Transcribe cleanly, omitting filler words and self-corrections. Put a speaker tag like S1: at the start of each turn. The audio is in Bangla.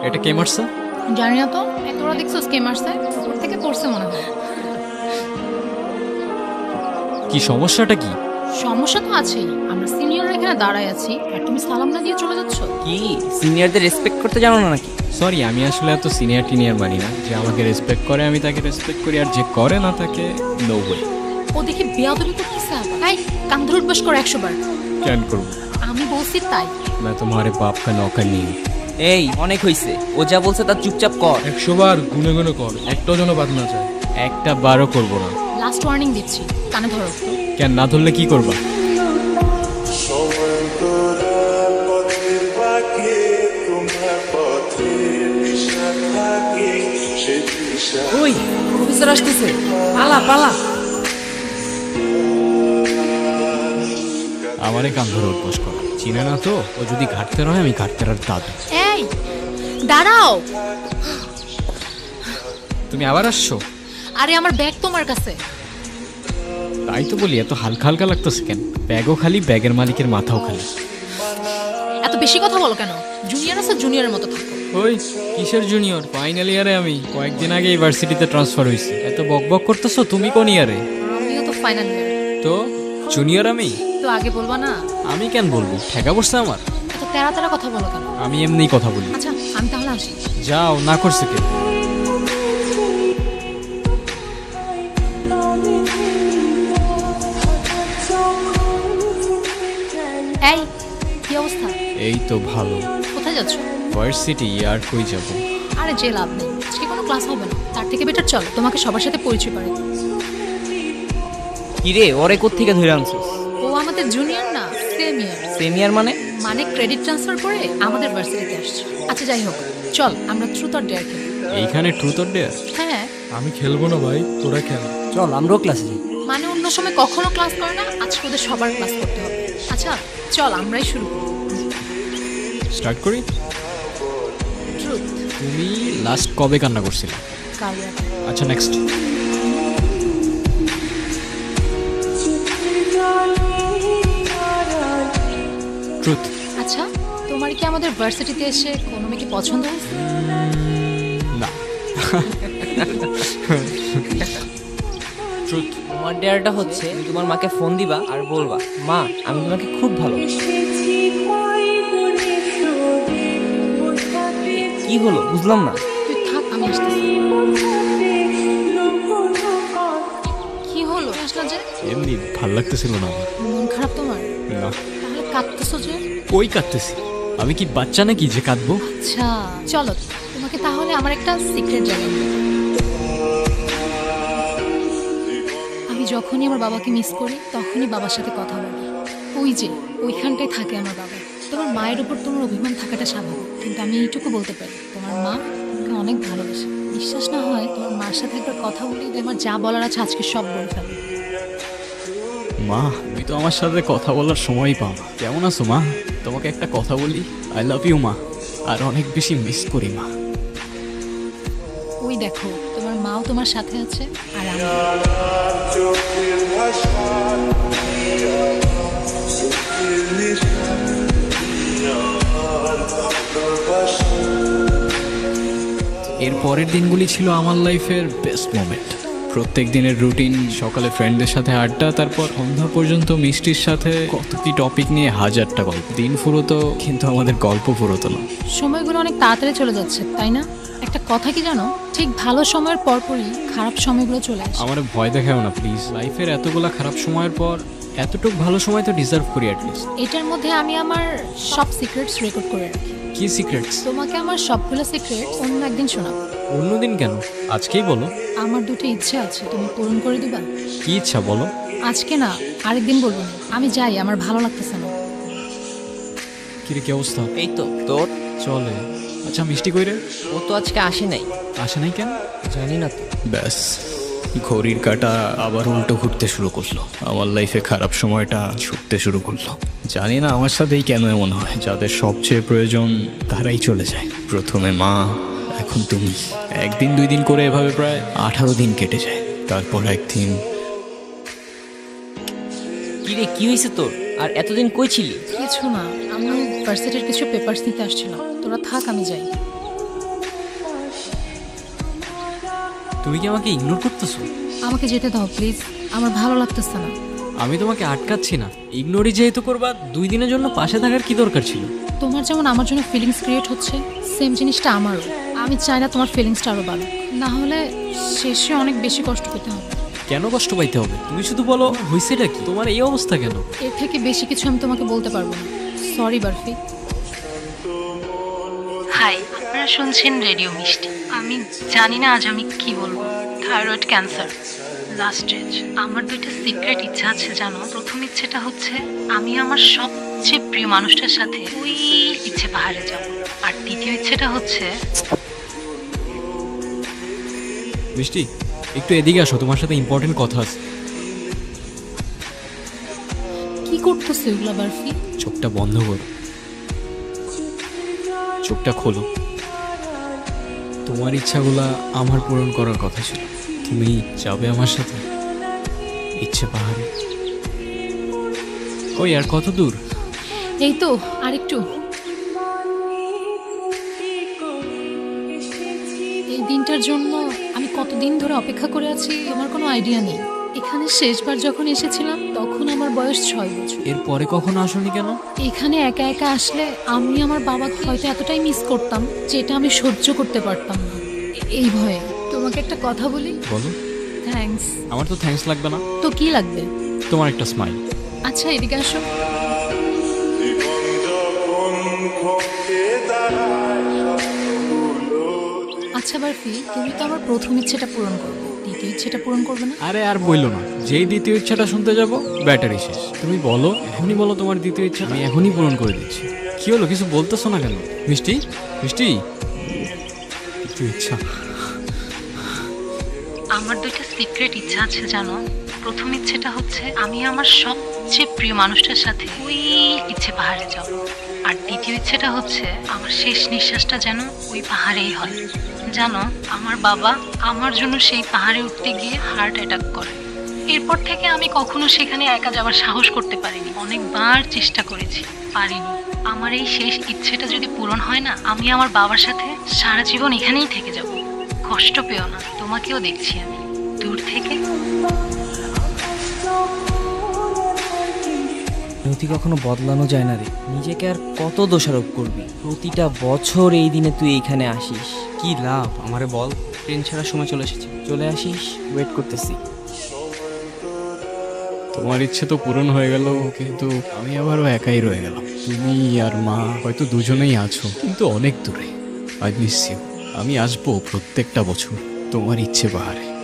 S1: এটা কে মারছে?
S2: জানি না তো, তোরা দেখছিস কে মারছে? উপর থেকে পড়ছে মনে হয়।
S1: কি সমস্যাটা কি?
S2: সমস্যা তো আছেই, আমরা সিনিয়ররা এখানে দাঁড়ায় আছি আর তুমি সালাম না দিয়ে চলে যাচ্ছ।
S3: কি সিনিয়রদের রেসপেক্ট করতে জানো না নাকি?
S1: সরি, আমি আসলে এত সিনিয়র টিনিয়র মানি না। যে আমাকে রেসপেক্ট করে আমি তাকে রেসপেক্ট করি, আর যে করে না তাকে নো ওয়ে।
S2: ও দেখি বেয়াদবি করতেছে আবার। এই কান ধরে উঠবাস করো 100 বার।
S1: কেন করবো?
S2: আমি বলছি তাই।
S1: मैं तुम्हारे बाप का नौकर नहीं हूँ।
S3: এই অনেক হইছে, ও যা বলছে তার চুপচাপ কর।
S4: 100 বার গুনে গুনে কর, একটাও যেন বাদ না যায়।
S1: একটা বারও করবো না।
S2: লাস্ট ওয়ার্নিং দিচ্ছি, কানে ধরো।
S1: কেন না ধরলে কি করবা?
S3: ওই প্রফেসর আসতেছে, পালা পালা।
S1: আমারে কান ধরে উঠবস করা চিনে না তো? ও যদি ঘাটতে রয় আমি ঘাটতে আর দাদু।
S2: এই দাঁড়াও।
S1: তুমি আবার আসছো?
S2: আরে আমার ব্যাগ তোমার কাছে।
S1: তাই তো বলি, এত হালকা হালকা লাগতেছে কেন? ব্যাগও খালি, ব্যাগের মালিকের মাথাও খালি।
S2: এত বেশি কথা বলো কেন? জুনিয়র আছে, জুনিয়রের মতো থাকো।
S1: ওই কিসের জুনিয়র? ফাইনাল ইয়ারে আমি কয়েকদিন আগে ইউনিভার্সিটিতে ট্রান্সফার হয়েছি। এত বকবক করতেছো, তুমি কোন ইয়ারে?
S2: আমিও তো ফাইনাল ইয়ার।
S1: তো জুনিয়র আমি?
S2: তো আগে বলবা না?
S1: আমি কেন বলবো? ঠেকা পড়ছে আমার।
S2: এত তেরা তেরা কথা বলো কেন?
S1: আমি এমনিই কথা বলি।
S2: আচ্ছা আমি তাহলে আসি।
S1: যাও, না করছে কে?
S2: এই কি অবস্থা?
S1: এই তো ভালো।
S2: কোথায় যাচ্ছ?
S1: ভার্সিটি। আর কই যাব?
S2: আরে যে লাভ নেই, আজকে কোনো ক্লাস হবে না। তার থেকে বেটার চল তোমাকে সবার সাথে পরিচয় করে দিই।
S3: কি রে, ওরে কোত্থেকে ধরে আনছিস?
S2: ও আমাদের জুনিয়র না, সেম ইয়ার।
S3: সিনিয়র মানে?
S2: মানে ক্রেডিট ট্রান্সফার করে আমাদের ভার্সিটিতে আসছে। আচ্ছা যাই হোক, চল আমরা ট্রুথ অর ডেয়ার খেলি।
S1: এইখানে ট্রুথ অর ডেয়ার?
S2: হ্যাঁ
S4: আমি খেলবো না ভাই, তোরা খেল।
S3: চল আমরাও ক্লাসে যাই।
S2: মানে অন্য সময় কখনো ক্লাস করে না, আজকে ওদের সবার ক্লাস করতে হবে। আচ্ছা চল আমরাই শুরু করি।
S1: স্টার্ট করি।
S2: ট্রুথ।
S1: তুমি লাস্ট কবে কান্না করছিলে?
S2: কাল রাতে।
S1: আচ্ছা নেক্সট। ট্রুথ।
S2: আচ্ছা তোমার কি আমাদের ভার্সিটিতে এসে কোনো মেয়েকে পছন্দ হয়েছে?
S1: না। ট্রুথ।
S3: তোমার ডেয়ারটা হচ্ছে তুমি তোমার মাকে ফোন দিবা আর বলবা, মা আমি তোমাকে খুব ভালো। কি হলো বুঝলাম না।
S2: তুই থাক, আমি আসতেছি। কি হলো আসলা যে?
S1: এমনি ভাল লাগতেছিল না আমার।
S2: মন খারাপ তোমার?
S1: না।
S2: তাহলে কাঁদতেছো যে?
S1: কই কাঁদতেছি? আমি কি বাচ্চা নাকি যে কাঁদবো?
S2: আচ্ছা চলো তোমাকে তাহলে আমার একটা সিক্রেট জানাই। আমি যখনই আমার বাবাকে মিস করি তখনই বাবার সাথে কথা বলি। ওই যে ওইখানটায় থাকে আমার বাবা। তোমার মায়ের উপর তোমার অভিমান থাকাটা স্বাভাবিক, কিন্তু আমি এইটুকু বলতে পারি তোমার মা তোমাকে অনেক ভালোবাসে। বিশ্বাস না হয় তোমার মার সাথে একবার কথা বলি, আমার যা বলার আছে আজকে সব বলে ফেলবে।
S1: মা, তুমি তো আমার সাথে কথা বলার সময়ই পাও না। কেমন আছো মা? তোমাকে একটা কথা বলি, আই লাভ ইউ মা। আর অনেক বেশি মিস করি মা।
S2: ওই দেখো তোমার মাও তোমার সাথে আছে আর আমি।
S1: এর পরের দিনগুলি ছিল আমার লাইফের বেস্ট মোমেন্ট। প্রত্যেক দিনের রুটিন, সকালে ফ্রেন্ডদের সাথে আড্ডা, তারপর সন্ধ্যা পর্যন্ত মিষ্টির সাথে কত কি টপিক নিয়ে হাজারটা গল্প। দিন ফুরোতো কিন্তু আমাদের গল্প ফুরোতো না।
S2: সময়গুলো অনেক তাড়াতাড়ি চলে যাচ্ছে তাই না? একটা কথা কি জানো, ঠিক ভালো সময়ের পরপরই খারাপ সময়গুলো চলে আসে।
S1: আমার ভয় দেখাও না প্লিজ। লাইফের এতগুলা খারাপ সময়ের পর এতটুক ভালো সময় তো ডিজার্ভ করি অ্যাটলিস্ট।
S2: এটার মধ্যে আমি আমার সব সিক্রেটস রেকর্ড করে রাখি।
S1: কি সিক্রেটস?
S2: তোমাকে আমার সবগুলো সিক্রেটস অন্য একদিন শোনাবো।
S1: অন্যদিন কেন? আজকেই বলো।
S2: আমার দুটো ইচ্ছে আছে, তুমি পূরণ করে দিবা?
S1: কি ইচ্ছা বলো?
S2: আজকে না, আরেকদিন বলবো না। আমি যাই, আমার ভালো লাগতেছে না।
S1: কিরে কি অবস্থা?
S3: এই তো তোর।
S1: চলে। আচ্ছা মিষ্টি কই রে?
S3: ও তো আজকে আসে নাই।
S1: আসে নাই কেন?
S3: জানি না তো।
S1: ব্যাস, ঘড়ির কাঁটা আবার উল্টো ঘুরতে শুরু করলো। আমার লাইফে খারাপ সময়টা ছুটতে শুরু করলো। জানি না আমার সাথেই কেন এমন হয়। যাদের সবচেয়ে প্রয়োজন তারাই চলে যায়। প্রথমে মা, এখন তুমি। একদিন দুই দিন করে এভাবে প্রায় 18 দিন কেটে যায়। তারপর একদিন।
S3: কি রে, কি হয়েছে তোর? আর এতদিন কই ছিলি?
S2: কিছু না, আমি ভার্সিটির কিছু পেপারস নিতে আসছিলাম। তোরা থাক, আমি যাই।
S5: তুমি কি আমাকে ইগনোর করতেছো?
S2: আমাকে যেতে দাও প্লিজ, আমার ভালো লাগতেছে না।
S5: আমি তোমাকে আটকাচ্ছি না, ইগনোরই যেহেতু করবা 2 দিনের জন্য পাশে থাকার কি দরকার ছিল?
S2: তোমার যেমন আমার জন্য ফিলিংস ক্রিয়েট হচ্ছে, সেম জিনিসটা আমারও। আমি চাই না তোমার ফিলিংসটা আরও বাড়ুক, না হলে শেষে অনেক বেশি কষ্ট পেতে হবে।
S5: কেন কষ্ট পাইতে হবে? তুমি শুধু বলো হয়েছেটা কি, তোমার এই অবস্থা কেন?
S2: এর থেকে বেশি কিছু আমি তোমাকে বলতে পারবো না। সরি বারফি। হাই, আপনারা শুনছেন রেডিও মিষ্টি। আমি জানি না আজ আমি কি বলবো। Thyroid cancer, last stage. আমার 2টা সিক্রেট ইচ্ছা আছে জানো। প্রথম ইচ্ছেটা হচ্ছে আমি আমার সবচেয়ে প্রিয় মানুষটার সাথে ওই ইচ্ছে পাহাড়ে যাব। আর দ্বিতীয় ইচ্ছেটা হচ্ছে
S5: মিষ্টি, একটু এদিকে আসো, তোমার সাথে ইম্পর্টেন্ট কথা আছে।
S2: কি করতেছে এগুলা বারফি?
S5: চোখটা বন্ধ করো, চোখটা খোলো। তোমার ইচ্ছাগুলা আমার পূরণ করার কথা ছিল। তুমি যাবে আমার সাথে ইচ্ছে পাহাড়ে? ওই আর কত দূর?
S2: এই তো আরেকটু। এই দিনটার জন্য আমি কতদিন ধরে অপেক্ষা করে আছি আমার কোনো আইডিয়া নেই। এখানে শেষবার যখন এসেছিলাম তখন আমার বয়স 6 বছর।
S5: এরপরে কখনো আসোনি কেন?
S2: এখানে একা একা আসলে আমি আমার বাবাকে হয়তো এতটাই মিস করতাম যেটা আমি সহ্য করতে পারতাম না। এই ভয়ে তোমাকে একটা কথা বলি।
S5: বলো।
S2: থ্যাঙ্কস।
S5: আমার তো থ্যাঙ্কস লাগবে না,
S2: তো কি লাগবে?
S5: তোমার একটা স্মাইল।
S2: আচ্ছা এদিকে আসো। আচ্ছা বারফি, তুমি তো আমার প্রথম ইচ্ছেটা পূরণ করবে, দ্বিতীয় ইচ্ছেটা পূরণ করবে না?
S5: আরে আর বইলো না, যেই দ্বিতীয় ইচ্ছাটা শুনতে যাব ব্যাটারি শেষ। তুমি বলো, এখনই বলো তোমার দ্বিতীয় ইচ্ছা, আমি এখনই পূরণ করে দিচ্ছি। কি হলো, কিছু বলতেছো না কেন? মিষ্টি, মিষ্টি, দ্বিতীয় ইচ্ছা।
S2: আমার 2টা সিক্রেট ইচ্ছা আছে জানো। প্রথম ইচ্ছেটা হচ্ছে আমি আমার সবচেয়ে প্রিয় মানুষটার সাথে ওই ইচ্ছে পাহাড়ে যাব। আর দ্বিতীয় ইচ্ছেটা হচ্ছে আমার শেষ নিঃশ্বাসটা যেন ওই পাহাড়েই হয়। জানো, আমার বাবা আমার জন্য সেই পাহাড়ে উঠতে গিয়ে হার্ট অ্যাটাক করে। এরপর থেকে আমি কখনো সেখানে একা যাওয়ার সাহস করতে পারিনি। অনেকবার চেষ্টা করেছি, পারিনি। আমার এই শেষ ইচ্ছেটা যদি পূরণ হয় না, আমি আমার বাবার সাথে সারা জীবন এখানেই থেকে যাব। কষ্ট পেও না, তোমাকেও দেখছি আমি দূর থেকে।
S3: নথি কখনো বদলানো যায় না রে। নিজেকে আর কত দোষারোপ করবি? প্রতিটা বছর এই দিনে তুই এইখানে আসিস, কি লাভ? আমারে বল। ট্রেন ছাড়ার সময় চলে এসেছি, চলে আসিস, ওয়েট করতেছি।
S1: তোমার ইচ্ছে তো পূরণ হয়ে গেল, কিন্তু আমি আবারও একাই রয়ে গেলাম। তুমি আর মা হয়তো দুজনেই আছো, কিন্তু অনেক দূরে। I miss you. আমি আসবো প্রত্যেকটা বছর তোমার ইচ্ছে পাহাড়ে।